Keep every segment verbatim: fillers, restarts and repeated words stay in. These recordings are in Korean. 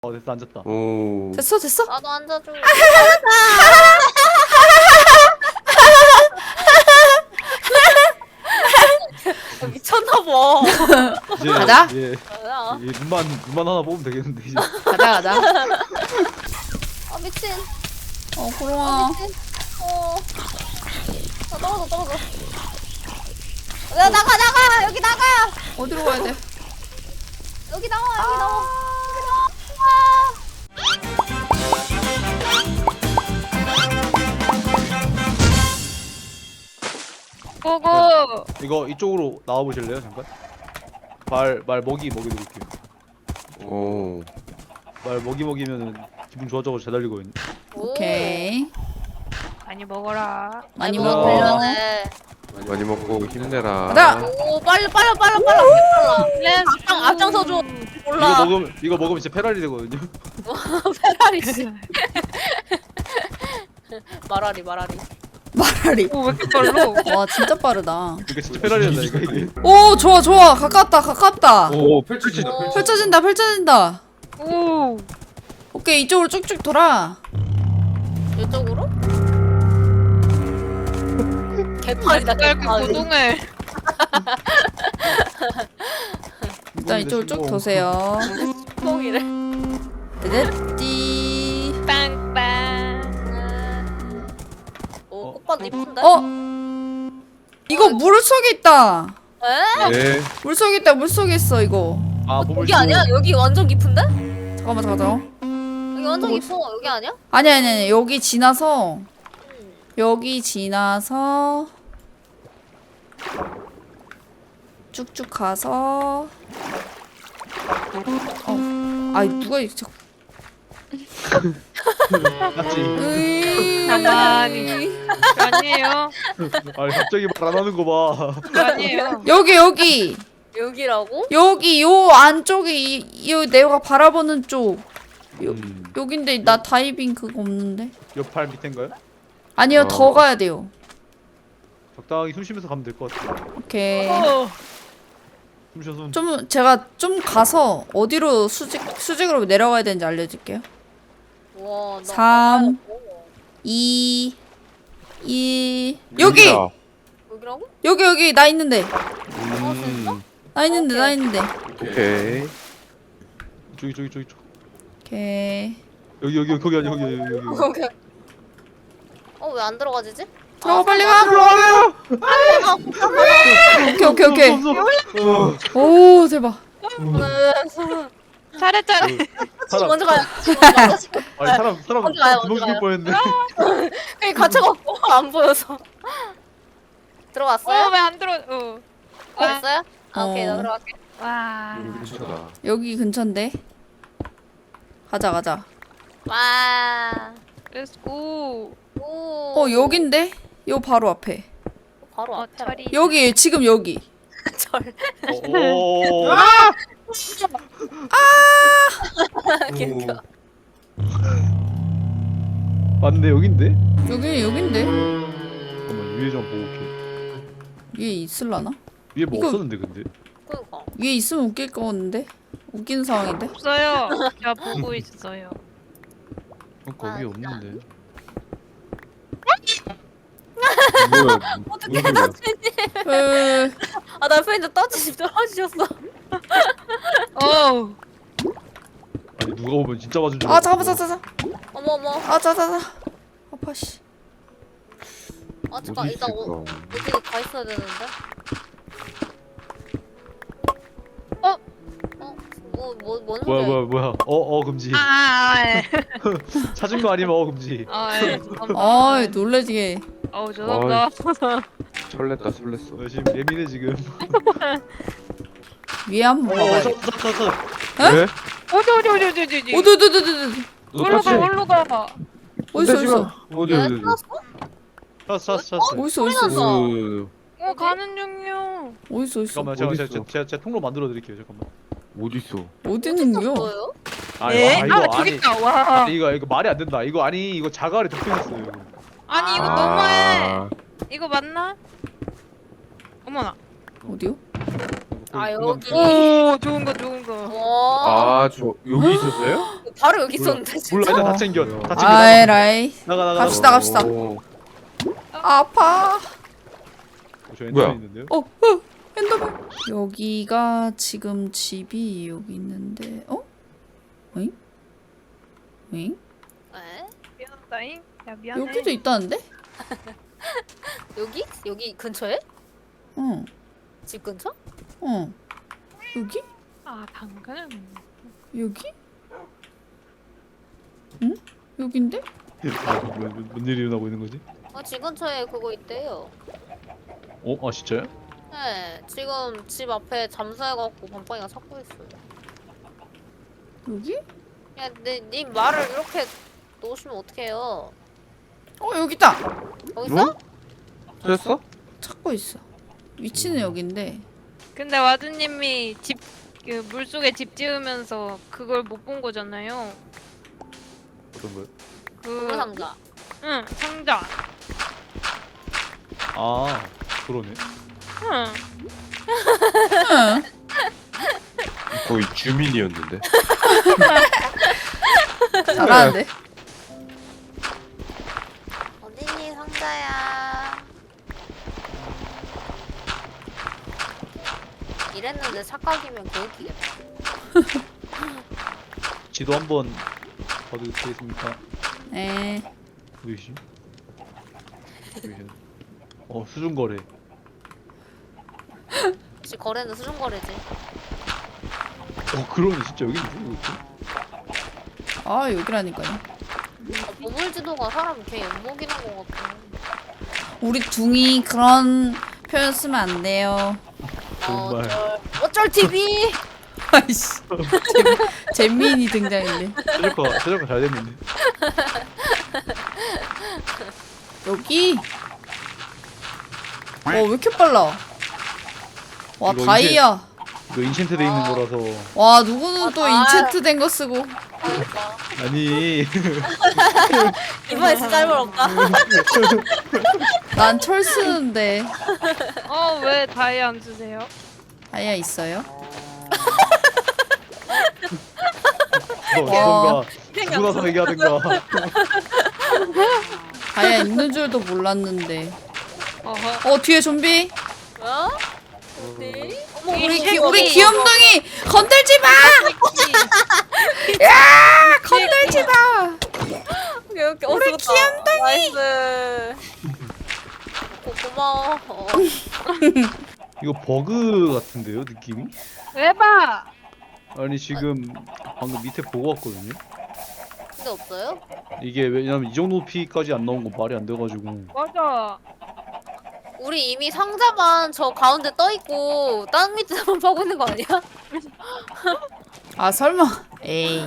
어 됐어 앉았다. 오. 됐어 됐어? 나도 앉아줘. 아, 미쳤나봐. 이제 가자. 예, 뭐야? 이 눈만 눈만 하나 뽑으면 되겠는데 이제. 가자 가자. 아 미친. 어 아 고롱아. 미친. 어. 아 떨어져 떨어져. 야 나가 나가 여기 나가 어디로 가야 돼? 여기 나와 여기 나와 여기 나와. 고고. 이거 이쪽으로 나와 보실래요 잠깐? 말 말 먹이 먹이 드릴게요. 오. 말 먹이 먹이면은 기분 좋아져서 잘 달리거든요. 오케이. 많이 먹어라. 많이 어. 먹어. 걸려네. 많이 먹고 힘내라. 가자. 오 빨리 빨리 빨리 빨리 빨라. 렛츠 앞장 앞장서 줘. 이거 몰라. 먹으면 이거 먹으면 진짜 페라리 되거든요. 페라리 씨. 마라리 마라리. 마라리. 오, 왜 이렇게 빨라? 와 진짜 빠르다. 이거 진짜 페라리 된다 이거 이게. 오 좋아 좋아 가깝다 가깝다. 오, 펼쳐진다. 어. 펼쳐진다 펼쳐진다. 오. 오케이 이쪽으로 쭉쭉 돌아. 이쪽으로? 개판이다 왜 이렇게 개판. 고동해? 일단 이쪽으로 쭉 도세요. 똥이래. 띠띠. 빵빵. 오 꽃밭 이쁜데? 어? 이거 물 속에 있다. 에? 네. 물 속에 있다 물 속에 있어 이거. 아 보물. 여기 아니야? 여기 완전 깊은데? 잠깐만 잠깐만. 여기 완전 깊어. 여기 아니야? 아니 아니 아니 여기 지나서 여기 지나서 쭉쭉 가서 어 아이 누가 이 자꾸 맞지. 으이. 가만히. 아니에요. 아니 갑자기 말 안 하는 거 봐. 아니에요. 여기 여기 여기라고? 여기 요 안쪽이 이, 이 내가 바라보는 쪽 요, 음. 여긴데 나 다이빙 그거 없는데 옆팔 밑인가요? 아니요 어. 더 가야 돼요. 적당히 숨 쉬면서 가면 될 것 같아. 오케이 어. 숨 쉬어 숨. 좀 제가 좀 가서 어디로 수직 수직으로 내려가야 되는지 알려줄게요. 와, 나 삼. 가봐요. 이, 일 여기 여기다. 여기라고? 여기 여기 나 있는데 음. 나 있는데 나 오케이. 있는데 오케이. 저기 저기 저기 저기. 오케이 여기 여기 거기 아니야 여기 여기 여기. 여기. 오케이. 어, 왜 안 들어가지지? 들어가 빨리 가 오케이 오케이 오케이 어. 오 대박 잘해 잘해. 사람 먼저 가요. 아니 사람 사람 먼저 가요, 구멍 먼저 죽을 가요. 뻔했네. 그게 갇혀갖고 안 보여서. 들어갔어요? 어, 왜 안 들어? 어. 들어갔어요? 아, 오케이, 나 어. 들어갈게. 와. 여기 근처다. 여기 근처인데 가자 가자 와. 렛츠 고. 오. 어 여긴데 요 바로 앞에 바로 어, 앞에. 철이. 여기 지금 여기 절. 오. 개웃겨. 맞네 여긴데? 여기 여긴데 잠깐만 위에 좀 보고 올게. 위에 있을라나 위에 뭐 이거- 없었는데 근데? 그니까. 위에 있으면 웃길 거는데 웃기는 상황인데 없어요. 제가 보고 있어요. 그러니까 아, 위에 진짜. 없는데. 뭐야? 어떻게 나 에 아, 나 옆에 있는데 떨어지, 떨어지셨어. 어. 아니 누가 보면 진짜 맞은 줄. 아 알았어. 잠깐만 자자자 어머, 어머. 아 자자자 아파 씨 아, 잠깐, 어디 이따 어, 있을까? 어디 가 있어야 되는데? 어? 어? 뭐, 뭐, 뭔 뭐야 소리야? 뭐야 뭐야. 어어 금지. 아, 아, 예. 찾은 거 아니면 어 금지. 아, 예. 잠깐만. 아이 놀래지게 어우, 죄송합니다. 설렜다 설렜어. 나 지금 예민해 지금. 위에 한번 어 봐봐요 찾았어 찾았어. 왜? 어디 어디 어디 어디 어디. 오두두두두두 올로 가 올로 가. 어딨어 어딨어 어디 왜 어디? 찾았어? 찾았어 찾았어 찾았어. 어딨어 어딨어 났어. 어, 어, 가는 중이요. 어딨어 어딨어 잠깐만 제가 제가 어디 제가, 있어? 제가, 제가 통로 만들어 드릴게요 잠깐만. 어디 있어? 어디 있는 거요? 뭐예요? 아니 예? 아, 이거 아, 아니. 저기 있다. 와. 아니, 이거 이거 말이 안 된다. 이거 아니 이거 자갈에 덮여 있어요. 이거. 아니 이거 아. 너무해. 이거 맞나? 어머나. 어디요? 아, 그건- 여기. 오 좋은 거 좋은 거. 와. 아, 저 여기 있었어요? 바로 여기 몰라. 있었는데 진짜. 몰라 일단 다 챙겨 다 챙겨 아이 나가 라이. 나가 나가 갑시다, 갑시다. 오. 아파. 어, 저 뭐야? 엔더맨 있는데요? 어, 어, 엔더맨. 여기가 지금 집이 여기 있는데, 어? 응? 응? 에? 미안하다잉. 야 미안해. 여기도 있다는데? 여기? 여기 근처에? 응, 집 근처? 응. 여기? 아 당근. 여기? 응? 여긴데? 아, 뭐, 뭐, 뭔 일이 일어나고 있는 거지? 아, 집 근처에 그거 있대요. 어? 아 진짜요? 네, 지금 집 앞에 잠수해갖고 밤빵이가 찾고 있어요. 여기? 야, 내, 님 말을 이렇게 놓으시면 어떡해요? 어, 여기다! 여기 있어? 찾았어? 찾고 있어. 위치는 여긴데. 근데 와드님이 집 그 물속에 집 지으면서 그걸 못 본 거잖아요. 어떤 거요? 그 그 상자. 응 상자. 아 그러네 응. 응. 거의 주민이었는데. 잘하는데? 어딨니 상자야? 이랬는데 착각이면 개웃기겠다. 지도 한번 봐도 되겠습니까? 에. 보이시? 어 수중거래 역시 거래는 수중거래지. 어 그러네 진짜 여기 있네 이거. 아, 여기라니까요. 아, 보물지도가 사람 개 엿먹이는 것 같아. 우리 둥이 그런 표현 쓰면 안 돼요. 정말. 어쩔, 어쩔 티비. 아이씨. 잼민이 등장했네. 최저가 최저가 잘 됐는데 여기? 어, 왜 이렇게 빨라? 와, 이거 다이아. 이거 인챈트 돼 있는 거라서 와, 누구는 아, 또 다- 인챈트 된 거 쓰고. 그러니까. 아니 이번에 진짜 잘 벌었다. 난 철 쓰는데. 어왜 다이 안 주세요? 다이아 있어요? 너 와. 그런가 누구 나서 얘기하든가 다이아 있는 줄도 몰랐는데. 어허. 어, 뒤에 좀비? 어? 어디? 어머, 우리, 이 귀, 이거, 우리 이거. 귀염둥이! 건들지 마! 야! 건들지 마! 오케이, 오케이. 어, 우리 죽었다. 나이스. 고, 고마워. 어. 이거 버그 같은데요 느낌이? 에바. 아니 지금 방금 밑에 보고 왔거든요 근데 없어요? 이게 왜냐면 이 정도 피까지 안 나온 거 말이 안 돼가지고 맞아. 우리 이미 상자만 저 가운데 떠 있고 땅 밑에만 파고 있는 거 아니야? 아, 설마. 에이.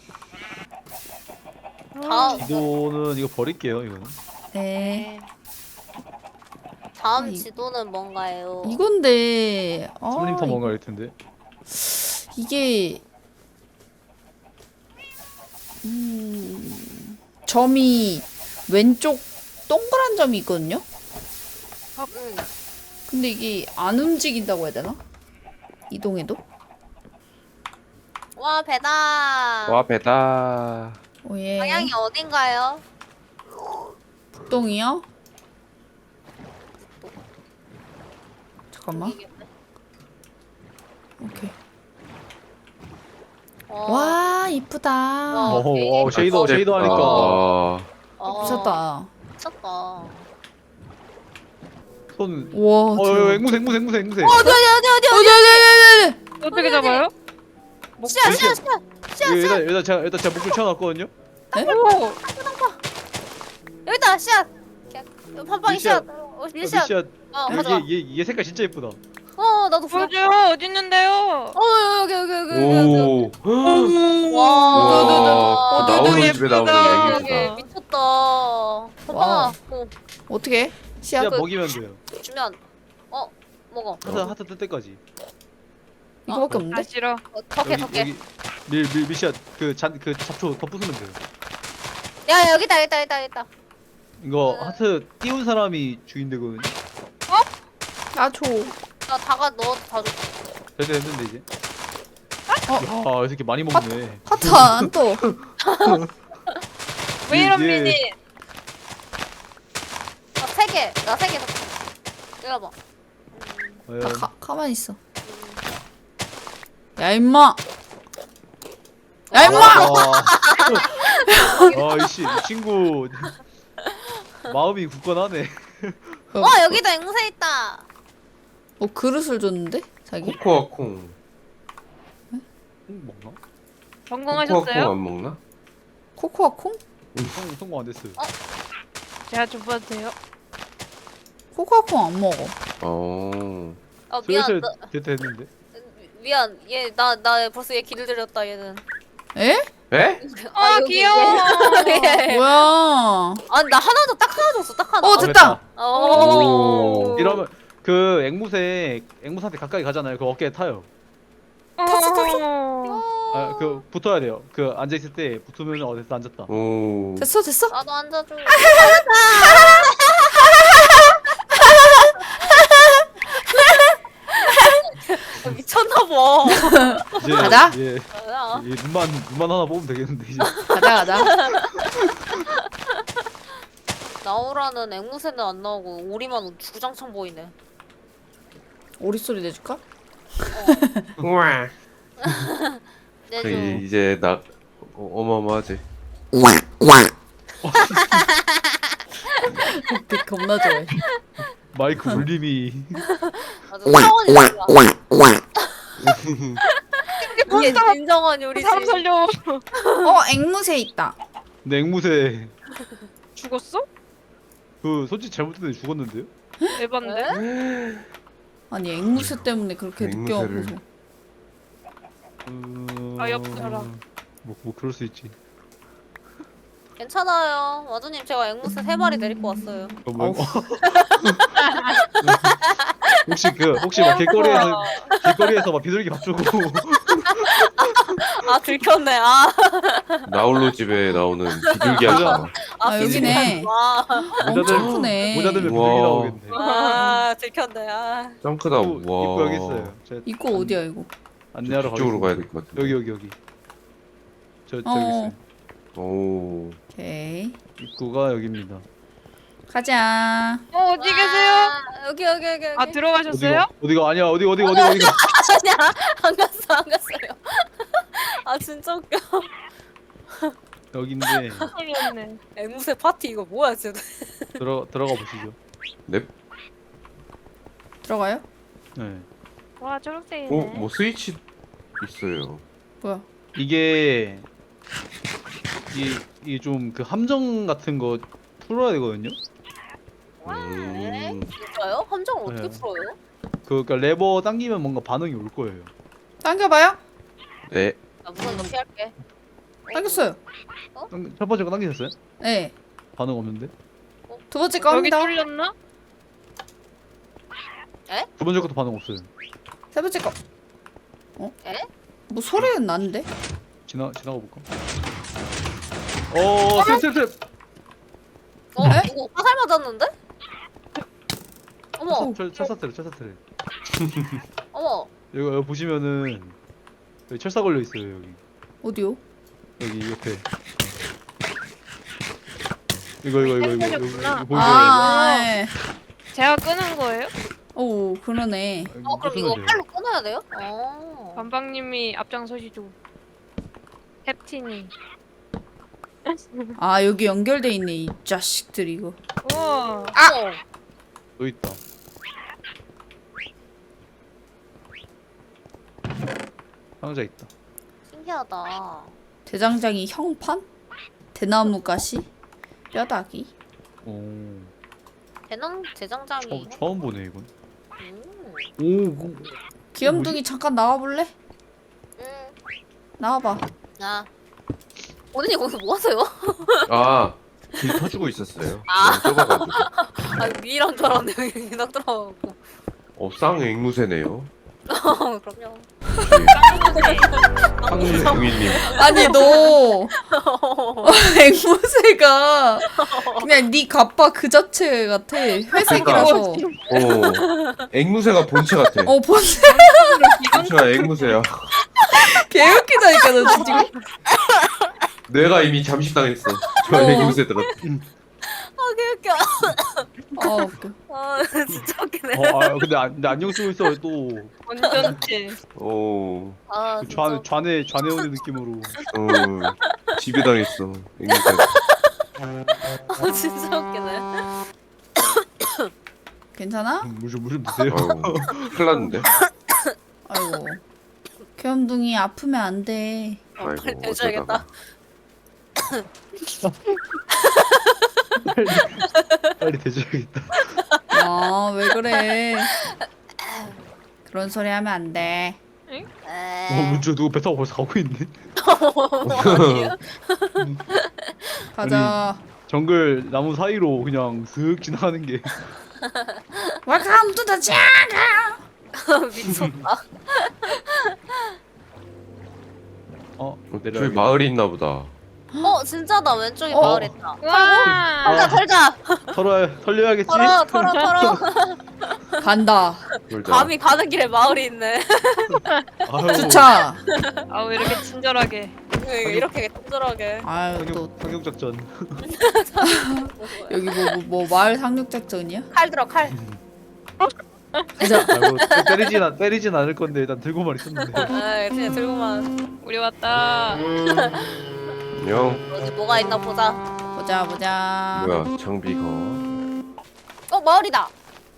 다음 지도는 이거 버릴게요 이거는 네. 다음 아, 이- 지도는 뭔가요? 이건데. 아, 슬림터 뭔가 할 텐데 이게 음, 점이 왼쪽 동그란 점이 있거든요. 응. 근데 이게 안 움직인다고 해야 되나? 이동해도? 와 배다. 와 배다. 오예. 방향이 어딘가요? 북동이요? 잠깐만. 여기겠네. 오케이. 어. 와, 이쁘다. 와. 어, 어 쉐이더 아, 쉐이더 하니까 아, 어. 미쳤다. 미쳤다. 손 와. 어, 대박. 앵무새 앵무새 앵무새 앵무새 어디 어디 어디 어디 어디, 어디, 어디, 어디. 어떻게 잡아요? 씨앗 씨앗 씨앗 씨앗 이거 씨앗 일단 일단 제가 일단 제가 목줄 쳐놨거든요 오. 여기다 씨앗. 팜빵이 밀씨앗. 씨앗. 어, 밀씨앗. 미씨앗 어 가져와. 얘얘 색깔 진짜 예쁘다 어 나도 보여. 보여줘요. 어디 있는데요? 어 여기 여기 여기 여기 여기. 오. 와. 와. 나오는 예쁘다. 집에 나오는 예쁘다. 애기구나. 여기 미쳤다. 팜빵아. 어, 어떻게? 씨앗. 씨앗 그- 먹이면 돼요 주면 어 먹어. 하트 하트 뜰 때까지 이거밖에 아 없는데? 싫어. 어, 덕해 덕해. 밀밀 미씨앗 그잔 그 잡초 더 부수면 돼요 야 여기다 여기다 여기다 여기다. 이거 하트 띄운 사람이 주인 되거든요 나 줘. 나 다가 넣어도 다 줘. 됐 됐는데 이제. 어? 야, 이 새끼 많이 먹네. 하트 안 떠. 왜 이런 이게- 미니? 나 세 개. 나 세 개. 이거 봐. 음, 다 과연 가, 가만히 있어. 야 임마. 야 임마. 아, 이씨, 이 친구 마음이 굳건하네. 어 여기도 앵무새 있다. 뭐 그릇을 줬는데 자기? 코코아 콩. 음, 먹나? 코코아 콩 성공하셨어요? 안 먹나? 코코아 콩? 성, 성공 안 됐어요. 제가 줘봐도 돼요? 코코아 콩 안 먹어. 어. 어 미안. 슬슬 나, 됐 됐는데. 미안. 얘 나 나 벌써 얘 길을 들였다 얘는. 에? 에? 아, 여기, 귀여워. 얘. 뭐야? 아니 나 하나 더 딱 하나 줬어. 딱 하나. 어 아, 됐다. 오. 이러면 그 앵무새 앵무새한테 가까이 가잖아요. 그 어깨에 타요. 탔어, 탔어. 아, 그 붙어야 돼요. 그 앉아 있을 때 붙으면 어 됐어 앉았다. 오. 됐어 됐어. 나도 앉아줘. 아, 미쳤나봐. 이제 가자. 예, 뭐야? 이 눈만 눈만 하나 뽑으면 되겠는데 이제. 가자 가자. 나오라는 앵무새는 안 나오고 오리만 주구장창 보이네. 오리 소리 내줄까? 우와. 내줘. 저기 이제 나 어, 어마어마하지. 되게 겁나 좋아해. 마이크 울림이. 아주 차원이 달라. 이게 진정한 요리지. 사람 살려. 어 앵무새 있다. 근데 앵무새 죽었어? 그 솔직히 잘못했는데 죽었는데요? 에반데? 에? 아니 앵무새 때문에 그렇게 늦게 앵무새를. 와서. 음... 아, 옆사람. 뭐, 뭐 그럴 수 있지. 괜찮아요. 와두님 제가 앵무새 세 마리 데리고 왔어요. 어, 뭐, 어우. 혹시 그 혹시 막 길거리에서 길거리에서 막 비둘기 밥 주고 아 들켰네. 아, 나홀로 집에 나오는 비둘기 아줌마. 아, 여기네. 와, 엄청 크네. 모자 들면 우와. 비둘기 나오겠네. 아 들켰네. 아, 짱크다. 입구, 입구 여기 있어요. 제가 입구 어디야 이거? 안내하러 이쪽으로 가겠습니다. 가야 될 것 같아. 여기 여기 여기. 저 저기 어. 있어요. 오. 오케이. 입구가 여기입니다. 가자. 어, 어디 계세요? 와, 여기 여기 여기 여기. 아, 들어가셨어요? 어디가 어디가 아니야 어디 어디 어디 어디가 아니야 안 갔어 안 갔어요. 아 진짜 웃겨. 여기인데 틀렸네. 앵무새 파티 이거 뭐야 지금? 들어 들어가 보시죠. 넵. 들어가요? 네. 와, 초록색이네. 오, 뭐 스위치 있어요. 뭐야? 이게 이게 좀 그 함정 같은 거 풀어야 되거든요. 네? 음. 진짜요? 함정을 어떻게 네. 풀어요? 그 그러니까 레버 당기면 뭔가 반응이 올 거예요. 당겨봐요. 네. 나 무슨 거 피할게. 당겼어요. 당- 첫 번째 거 당기셨어요? 네. 반응 없는데? 두 번째 거 여기 합니다. 뚫렸나? 두 번째 것도 반응 없어요. 세 번째 거. 어? 에? 뭐 소리는 나는데? 지나 지나가 볼까? 어, 탭탭탭. 어 에? 누구 화살 맞았는데? 어머 철 철사트래 철사트래. 어머. 여기, 여기 보시면은 여기 철사 걸려 있어요 여기. 어디요? 여기 옆에. 이거 이거 이거 이거 이거, 이거, 이거 보이세요? 아, 예. 제가 끄는 거예요? 오, 그러네. 이거? 어 그럼 끄시면 이거 돼요. 팔로 끊어야 돼요? 어. 반방님이 앞장서시죠. 캡틴이. 아, 여기 연결돼 있네, 이 자식들 이거. 우와. 아. 또 있다. 상자 있다. 신기하다. 대장장이 형판? 대나무 가시? 뼈다귀? 오, 대남 재장장이. 처음, 처음 보네 이건. 음. 오, 그- 귀염둥이 잠깐 나와볼래? 음. 나와봐. 아. 오늘이 거기 뭐 하세요? 아, 길 터주고 있었어요. 아. 너무 좁아가지고. 아 미란 줄 알았는데 여기 딱 들어가고. 어, 쌍 앵무새네요. 어, 그럼요. 황금 부인님. 아니 너 앵무새가 그냥 네 갑바 그 자체 같아. 회색이라서. 어. 앵무새가 본체 같아. 어 본색 본체가 앵무새야. 개웃기다니까 너 지금. 뇌가 이미 잠식당했어. 저 어. 앵무새들은. 아, 개웃겨. 아 웃겨. 아, 진짜 웃기네. 어, 아 근데, 안, 근데 안경 쓰고 있어 또. 완전체. 오. 아, 그 진짜. 좌뇌 좌뇌 좌뇌 오는 느낌으로. 어. 지배당했어. 앵무새. 아, 진짜 웃기네. 괜찮아? 물좀 물 좀 드세요. 아유. 큰일 났는데. 아이고. 귀염둥이 아프면 안 돼. 어, 빨리 아이고, 대줘야겠다. 빨리 빨리 대줘야겠다. 아 왜 그래? 그런 소리 하면 안 돼. 어 에이. 문주 누구 배 타고 벌써 가고 있네. 아니에요? 가자. 정글 나무 사이로 그냥 슥 지나가는 게. Welcome to the jungle. 미쳤다. 어 저기 내려. 마을이 있나 보다. 어, 진짜다. 왼쪽에 어? 마을 있다. 와. 털자, 털자. 털어 털려야겠지. 털어, 털어, 털어. 간다. 놀자. 감히 가는 길에 마을이 있네. 아유, 주차. 아왜 이렇게 친절하게. 이렇게 친절하게. 아유 또 상륙 상륙 작전. 여기 뭐 뭐 뭐 마을 상륙 작전이야? 칼 들어, 칼. 가자. 아이고 때리진 않 때리진 않을 건데 일단 들고만 있었는데. 에이, 그냥 들고만. 우리 왔다. 안녕. 어디 뭐가 있나 보자. 보자 보자. 뭐야 장비가. 어, 마을이다.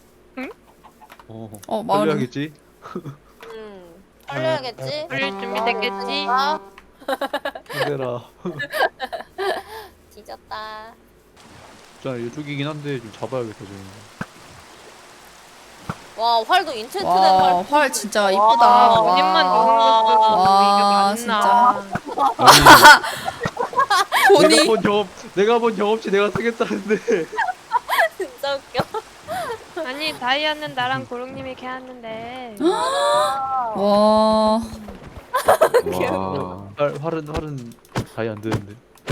어, 어, 마을이- 털려야겠지. 음, 털려야겠지. 풀릴 준비 됐겠지? 아, 얘들아. 뒤졌다. 자 이쪽이긴 한데 좀 잡아야겠다 좀. 와, 활도 인챈트된 와, 활. 활 진짜 이쁘다. 와, 와. 본인만 좋은 거 쓰고 와, 이게 맞나? 내가 본이 본 경험 내가 본 경험치 내가 쓰겠다는데. 진짜 웃겨. 아니 다이아는 나랑 고롱님이 캐왔는데. 아, 와. 와. 활 활은 활은 다이 안 되는데.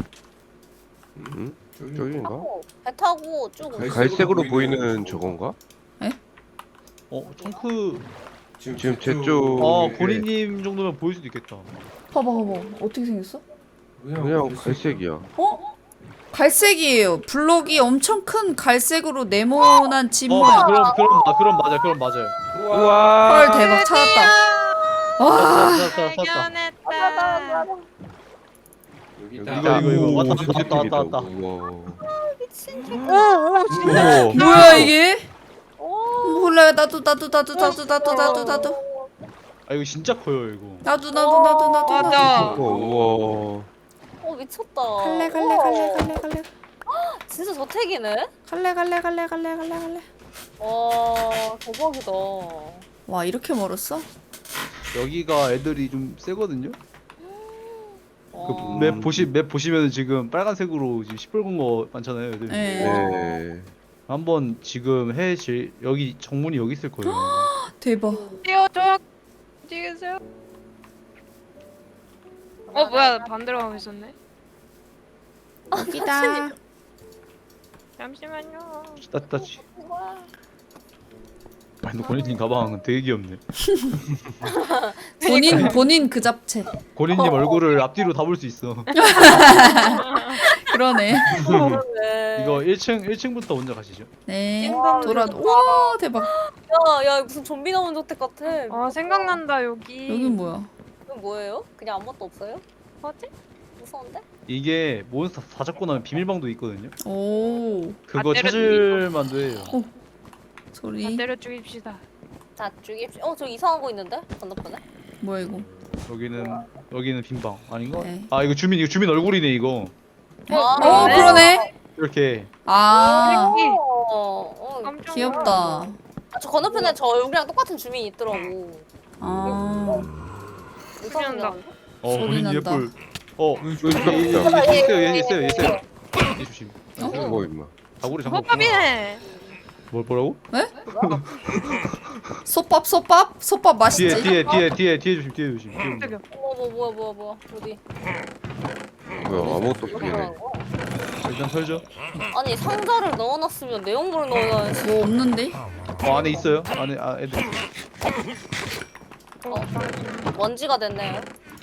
음? 저기인가? 타고, 배 타고 쭉 오고. 갈색으로 보이는 저건가? 어 청크. 지금 제 쪽. 어 고리님 정도면 보일 수도 있겠다. 봐봐 봐봐. 어떻게 생겼어? 그냥 갈색이야. 어? 갈색이에요. 블록이 엄청 큰 갈색으로 네모난 집 어 모양. 그럼 그럼 아 그럼 맞아 그럼 맞아요. 우와. 헐 대박 찾았다. 와. 찾았다 찾았다. 발견했다. 이거 이거 이거 왔다 왔다 왔다 왔다 왔다. 우와. 미친. 우와. 뭐야 이게? 오. 몰라요. 나도 나도 나도 나도 나도 나도 나도 아 이거 진짜 커요 이거. 나도 나도 나도 나도 나도. 맞아. 우와. 어, 미쳤다. 갈래 갈래 갈래 갈래 갈래 진짜 저택이네. 갈래 갈래 갈래 갈래 갈래 갈래. 와, 대박이다. 와 이렇게 멀었어? 여기가 애들이 좀 세거든요. 와. 그 맵 보시 맵 보시면 지금 빨간색으로 지금 시뻘건 거 많잖아요 애들. 네. 네. 한번 지금 해질 여기 정문이 여기 있을 거예요. 대박. 뛰어줘. 어디 계세요? 어 뭐야 반대로 가고 있었네. 여기다. 잠시만요. 따따지. 와. 아니 고리님 가방은 되게 귀엽네. 본인 본인 그 잡채. 고리님 얼굴을 앞뒤로 다 볼 수 있어. 그러네. 네. 이거 일 층 일 층부터 먼저 가시죠. 네. 와, 돌아. 진짜. 와 대박. 야, 야, 무슨 좀비 나온 저택 같아. 아 생각난다 여기. 여긴 뭐야? 이건 뭐예요? 그냥 아무것도 없어요? 뭐지? 무서운데? 이게 몬스터 다 잡고 나면 비밀방도 있거든요. 오 그거 아, 때려 찾을 만도 해요. 소리. 반대로 죽입시다. 자, 죽입시. 어, 저 이상한 거 있는데? 건너편에? 뭐야 이거? 여기는 여기는 빈방 아닌가? 네. 아 이거 주민 이거 주민 얼굴이네 이거. 어, 아, 어 네. 그러네. 이렇게. 아 여기. 어, 어, 깜짝 귀엽다. 아, 저 건너편에 저 얼굴이랑 똑같은 주민이 있더라고. 아 이상하게 난다. 나는데? 어 소리 고리님 난다. 예쁠. 어 여기 여기 있다. 여기 있어요 얘 있어요 얘 있어요. 얘 조심. 뭐 임마. 다구리 잠깐. 호밥이네. 뭘 뭐라고? 솥밥 솥밥 솥밥 맛있지? 뒤에 뒤에 뒤에 뒤에 뒤에 조심 뒤에 조심. 뒤에 온다. 저기요. 뭐, 뭐, 뭐야, 뭐야, 뭐야. 어디? 뭐야 아무것도 이렇게 없네. 하는 거야? 일단 털죠. 아니, 상자를 넣어놨으면 내용물을 넣어야지. 뭐 없는데? 어 안에 있어요. 안에 아 애들. 있어요. 먼지가 됐네요.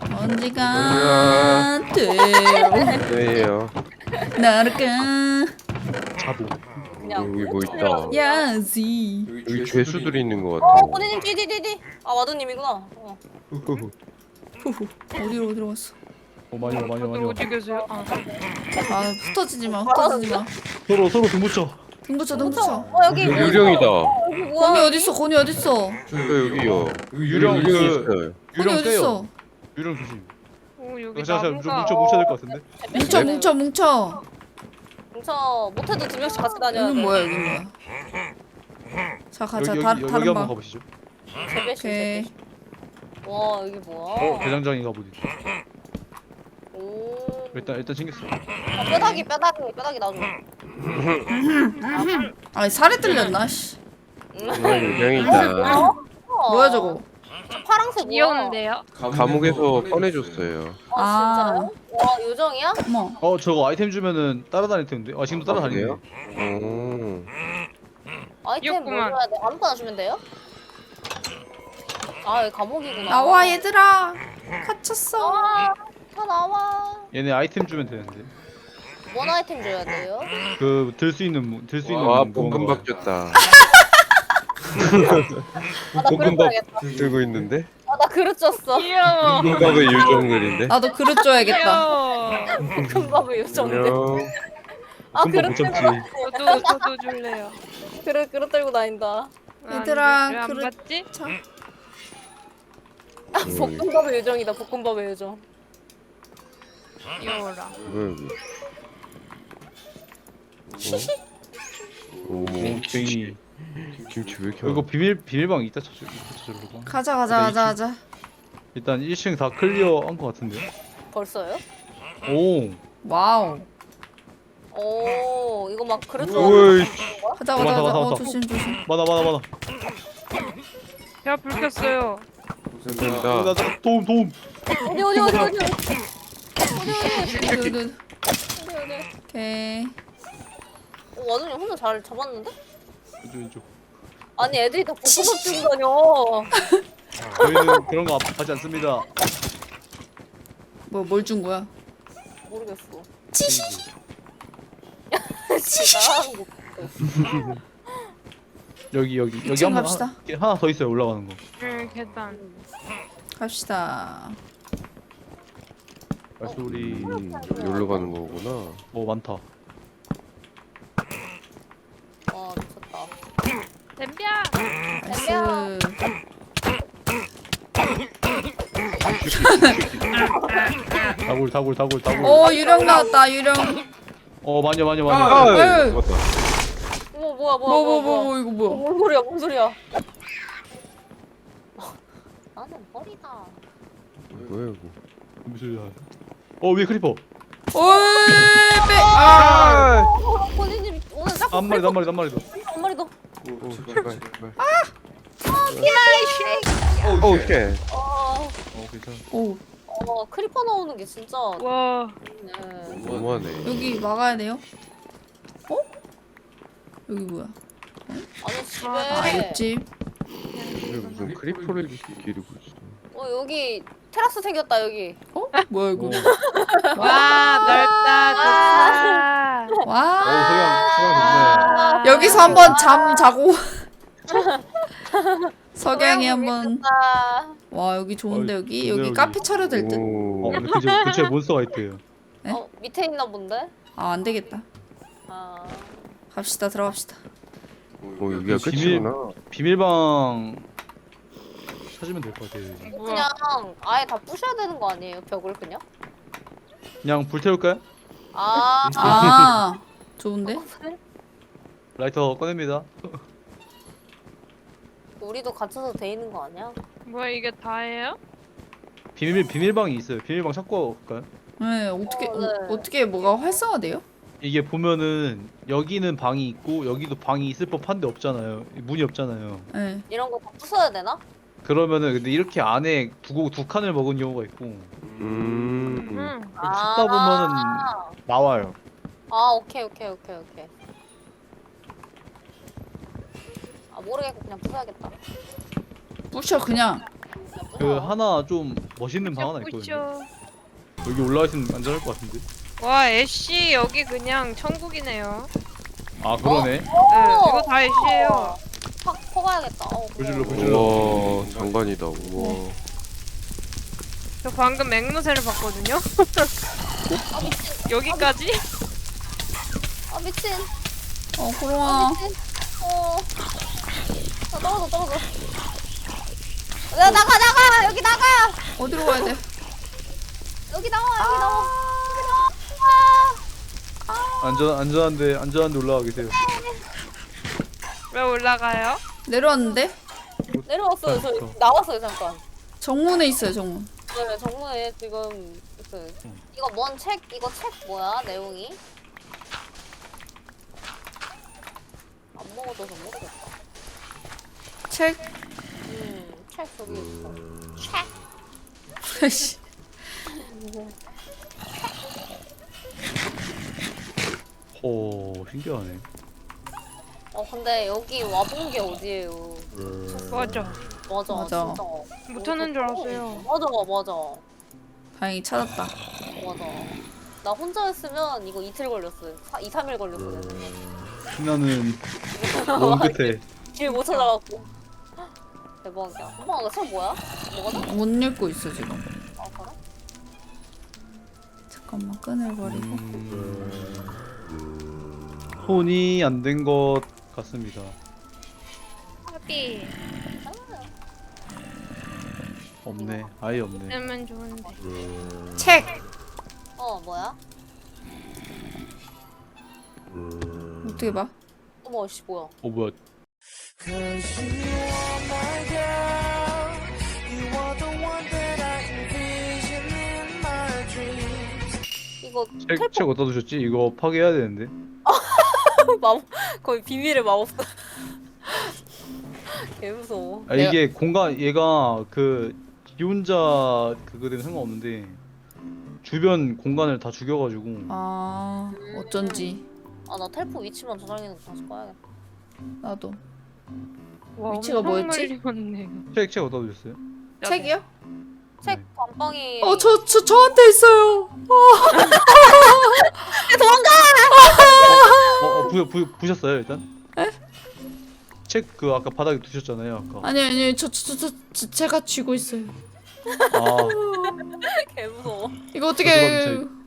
언제가 돼요 네요. 날까 자보. 그냥. 여기 뭐 있다. 야지 여기 죄수들이 있는 것 어, 같아. 본인님 뒤뒤뒤뒤. 아, 와두님이구나. 어. 후후 어디로 어디로 갔어? 어 많이 와 많이 와 많이 다들 와. 어디 계세요? 아, 아 흩어지지 마 흩어지지 마 서로 서로 등 붙여. 등 붙여 등 붙여 어, 여기. 여기 유령이다. 여기 건이 뭐야? 어딨어 건이 어딨어 저 여기요. 유령 유령이 그 있어요. 건이 유령 빼요. 어딨어 유령 조심. 오 여기 자, 자, 좀 나무가. 뭉쳐 뭉쳐야 될 것 같은데. 뭉쳐 뭉쳐 뭉쳐 뭉쳐. 못해도 두 명씩 같이 다녀야 여긴 돼. 뭐야 여긴 뭐야 자 가자 여기 다, 여기 여기 다른 한번 방 가보시죠. 세배씩, 오케이 세배씩. 와, 여기 뭐야? 어 대장장이가 보디. 오. 일단 일단 챙겼어. 아, 뼈다귀, 뼈다귀, 뼈다귀 놔줘. 아니 살에 뚫렸나 씨 정말 유령이다. 뭐야 저거 저 파랑색 뭐야? 귀여운데요? 감옥에서 꺼내줬어요. 아, 아. 진짜요? 와, 요정이야? 어머 어 저거 아이템 주면은 따라다닐 텐데. 아 지금도 따라다니네. 그래요? 오. 아이템 뭐 귀엽구만. 줘야 돼? 아무거나 주면 돼요? 아, 여기 감옥이구나. 나와 얘들아 갇혔어 나와. 다 나와. 얘네 아이템 주면 되는데. 뭔 아이템 줘야 돼요? 그 들 수 있는 들 수 있는 와 그건가 볶음밥 봐요. 줬다. 아, 나 그릇 볶음밥 줘야겠다. 들고 있는데? 아, 나 그릇 줬어. 귀여워. 볶음밥의 유정들인데? 나도 그릇 줘야겠다 귀여워. 금밥을 요정들. 안녕. 아, 금방 그릇 못 들고 참지. 저도 저도 줄래요. 그릇 그릇 들고 다닌다. 얘들아, 왜안 그릇- 받지? 자 아, 볶음밥의 요정이다. 볶음밥의 요정. 귀여워라. 뭐야 여기? 오. 땡이. 김치 왜 이렇게 어, 이거 많아? 비밀 비밀방 있다 저쪽 저쪽으로. 가자 가자 가자 가자 일단 일 층 다 클리어한 것 같은데요. 벌써요? 오. 와우 오, 이거 막 그릇 줘. 오이. 가자 가자 맞아, 가자 맞아, 어 맞아. 조심 조심 많아 많아 많아. 야 불 켰어요. 감사합니다. 나, 나, 도움 도움. 어디 어디 어디 어디 어디 두두 어디 어디. 오케이 어, 와두님 혼자 잘 잡았는데? 왼쪽 왼쪽. 아니 애들이 다 볶음밥 들고 다녀. 저희는 그런 거 하지 않습니다. 뭐 뭘 준 거야 모르겠어. 치시 나가는 거. 여기 여기 여기 이층 한번 갑시다. 하- 하나 더 있어요 올라가는 거. 응 계단. 갑시다 발소리 음, 여기로 가는 거구나. 뭐 많다. 와 미쳤다. 댐벼. 나이스 다굴 다굴 다굴 다굴. 오 유령 나왔다 유령 어 많이 많이 아, 많이. 에이. 맞다. 어머 뭐야 뭐야 뭐 뭐 뭐야 뭐 뭐야. 뭐 이거 어, 뭐야 뭔 소리야 뭔 소리야. 나는 허리다. 뭐야 이거? 무슨 소리야? 어 위에 크리퍼. 오이 빼아 어, 본인님 오늘 자꾸 한 마리 한 마리 한 마리 더. 한 마리 더. 오, 제발 제발. 아, 오, 쉣. 어, 어 괜찮아. 오 어 크리퍼 나오는 게 진짜. 와. 네. 너무하네. 여기 막아야 돼요 어 여기 뭐야 아니 집에. 아 옆집 왜 무슨 크리퍼를 기르고 있어? 어 여기 테라스 생겼다 여기. 어 뭐야 이거 와 넓다 좋다. 어 와 소양 소양 좋네. 여기서 한번 잠 자고 석양이 한번 아, 와 여기 좋은데 어이, 여기 좋네, 여기 여기. 카페 차려도 될 듯? 어 오. 근데 근처 근처에 몬스터가 있대요. 네? 어 밑에 있나 본데? 아 안되겠다 아. 갑시다 들어갑시다 오, 여기가 비밀- 끝이구나. 비밀방 찾으면 될 것 같아요. 이제. 뭐야? 그냥 아예 다 부셔야 되는 거 아니에요? 벽을 그냥? 그냥 불 태울까요? 아. 아 좋은데? 라이터 꺼냅니다. 우리도 갇혀서 돼 있는 거 아니야? 뭐야 이게 다예요? 비밀 비밀방이 있어요. 비밀방 찾고 갈까요? 네 어떻게 어, 네. 어, 어떻게 뭐가 활성화돼요? 이게 보면은 여기는 방이 있고 여기도 방이 있을 법한데 없잖아요. 문이 없잖아요. 네. 이런 거 다 부숴야 되나? 그러면은 근데 이렇게 안에 두고 두 칸을 먹은 경우가 있고 음. 음. 찾다 보면은 나와요. 아 오케이 오케이 오케이 오케이. 아 모르겠고 그냥 부숴야겠다. 부셔 그냥. 그냥 부숴. 그 하나 좀 멋있는 방 하나 있거든요. 뿌셔. 여기 올라가시면 안전할 것 같은데. 와 애쉬 여기 그냥 천국이네요. 아 그러네. 네, 이거 다 애쉬예요. 확 퍼가야겠다. 어, 보실러 고마워. 보실러. 우와 장관이다. 우와. 저 방금 맹무새를 봤거든요. 아 미친. 여기까지? 아 미친. 어 아 고롱아. 미친. 어. 아 떨어져 떨어져. 야 나가 나가 여기 나가 어디로 가야 돼? 여기 나와 여기 나와 여기 나와. 안전 안전한데 안전한데 올라가 계세요. 왜 올라가요? 내려왔는데? 내려왔어요. 저 어. 나왔어요 잠깐. 정문에 있어요 정문. 네 정문에 지금 그 이거 뭔 책 이거 책 뭐야 내용이? 안 먹어줘서 모르겠다. 책. 음책 저기 있어. 씨. 오 신기하네. 어 근데 여기 와본 게 어디예요? 맞아. 맞아, 맞아. 진짜. 못하는 줄 알았어요. 맞아, 맞아, 다행히 찾았다. 맞아. 나 혼자였으면 이거 이틀 걸렸어요. 사, 이, 삼 일 걸렸어요. 신나는 먼 끝에. 길 못 찾아갖고. 대박이야. 엄마, 이거 책 뭐야? 뭐가? 못 읽고 있어 지금. 아, 그래? 잠깐만 끈을 버리고. 음... 손이 안 된 것 같습니다. 하비 없네. 아예 없네. 되면 좋은데. 책. 어, 뭐야? 어떻게 봐? 어머, 씨, 뭐야? 어 뭐야? 이거 책, 텔포 책 어디다 두셨지? 이거 파괴해야 되는데. 마법, 거의 비밀의 마법사. 개 무서워. 아 이게 공간 얘가 그 기혼자 그거 되면 상관없는데 주변 공간을 다 죽여가지고 아 어쩐지 아, 나 텔포 위치만 저장해놓고 다시 꺼야겠다. 나도. 와, 위치가 엄청 뭐였지? 멀리 책 책 어디다 두셨어요? 책이요? 책 네. 감방이. 어 저 저 저한테 있어요. 어, 어 부, 부, 부셨어요 일단? 책 그 아까 바닥에 두셨잖아요 아까. 아니 아니 저 저 저 저 제가 쥐고 있어요. 아 개 무서워. 이거 어떻게 저기